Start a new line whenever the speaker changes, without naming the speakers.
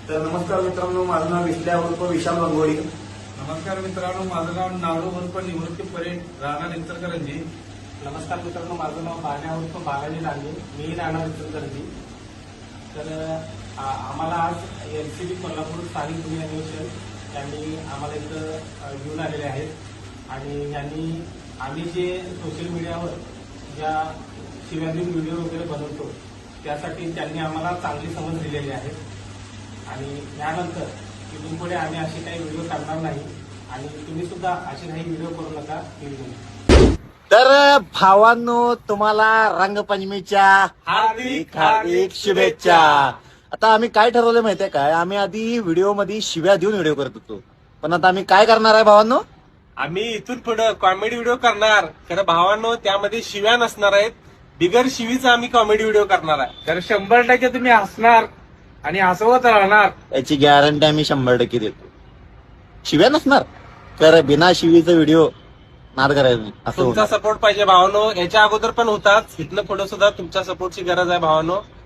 तर नमस्कार मित्रांनो, माझं नाव विश्ल्या उर्फ विशाल गंगोळी.
नमस्कार मित्रांनो, माझं नाव नाडू उर्फ निवृत्ती परेड, राहणार इचलकरंजी.
नमस्कार मित्रांनो, माझं नाव बाल्या उर्फ बालाजी डांगे, मी राहणार इचलकरंजी. तर आम्हाला आज एलसीबी कोल्हापूर स्थानिक गुन्हे अन्वेषण यांनी आम्हाला इथं घेऊन आलेले आहेत आणि यांनी आम्ही जे सोशल मीडियावर ज्या शिव्याधीन व्हिडिओ वगैरे बनवतो त्यासाठी त्यांनी आम्हाला चांगली समज दिलेली आहे आणि यानंतर इथून पुढे आम्ही असे काही व्हिडिओ करणार नाही आणि तुम्ही सुद्धा असे काही व्हिडिओ करू नका.
तर भावांनो, तुम्हाला रंगपंचमीच्या
हार्दिक
हार्दिक शुभेच्छा. आता आम्ही काय ठरवलं माहितीये काय, आम्ही आधी व्हिडिओ मध्ये शिव्या देऊन व्हिडिओ करत होतो, पण आता आम्ही काय करणार आहे भावांनो,
आम्ही इथून पुढे कॉमेडी व्हिडिओ करणार. खरं भावांनो, त्यामध्ये शिव्या नसणार आहेत. बिगर शिवीचा आम्ही कॉमेडी व्हिडिओ करणार आहे.
तर 100% तुम्ही हसणार आणि हसवत राहणार.
याची गॅरंटी आम्ही 100% देतो. शिव्या नसणार, तर बिना शिवीचा व्हिडिओ नाद करायचं नाही असं
तुमचा
होणार.
सपोर्ट पाहिजे भावांनो. याच्या अगोदर पण होताच, इथनं पुढे सुद्धा तुमच्या सपोर्टची गरज आहे भावांनो.